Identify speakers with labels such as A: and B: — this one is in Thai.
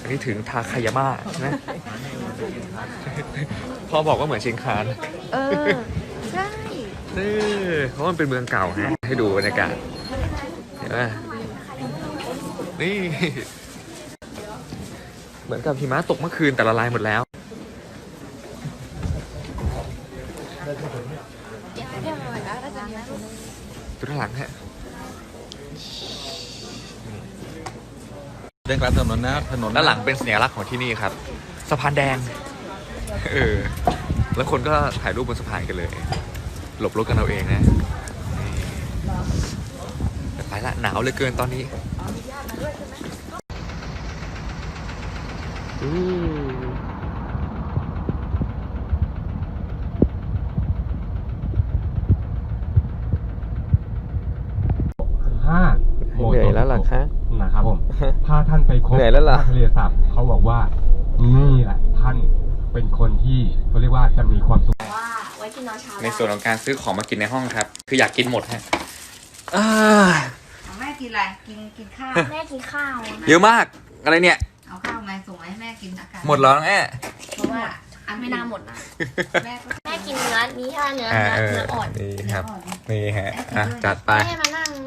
A: นนี้ถึงทาคายาม่าใช่ไหมพ่อบอกว่าเหมือนเชียงคาน
B: ใช่
A: เพราะมันเป็นเมืองเก่าฮะให้ดูบรรยากาศเห็นไหมนี่ เหมือนกับหิมะตกเมื่อคืนแต่ละลายหมดแล้วดูด้านหลังฮะ
C: เดินกลางถนนนะถนน
A: ด้านหลังเป็นสัญลักษณ์ของที่นี่ครับสะพานแดงแล้วคนก็ถ่ายรูปบนสะพานกันเลย หลบรถกันเอาเองนะนี่ไปละหนาวเหลือเกินตอนนี้เหนื่อยแล้วหรอคะ
D: นะครับผม ถ้าท่านไปคบ
A: เหนื่อยแล้วเหรอ
D: ทะเลสาบเขาบอกว่านี่แหละท่านเป็นคนที่เขาเรียกว่าจะมีความสุข
B: ว่าไว้กินนอนเช้า
A: ในส่วนของการซื้อของมากินในห้องครับ คืออยากกินหมดฮะ
E: แม่กินอะไร กินข้าว
B: แม่กินข้าวนะ
A: เยอะมากอะไรเนี่ย
E: เอาข้าวมาส่งมาให้แม่กินอากาศ
A: หมดแล้วน้องแม่
E: เพราะว่าอัน
B: ไม่น่าหมดนะ
E: แม่ก็
B: แม่กินเนื้อนี้ถ้าเนื้ออ่อน
A: นี่ครับ นี่ฮะอ่ะจัดไป
B: แม่มานั่ง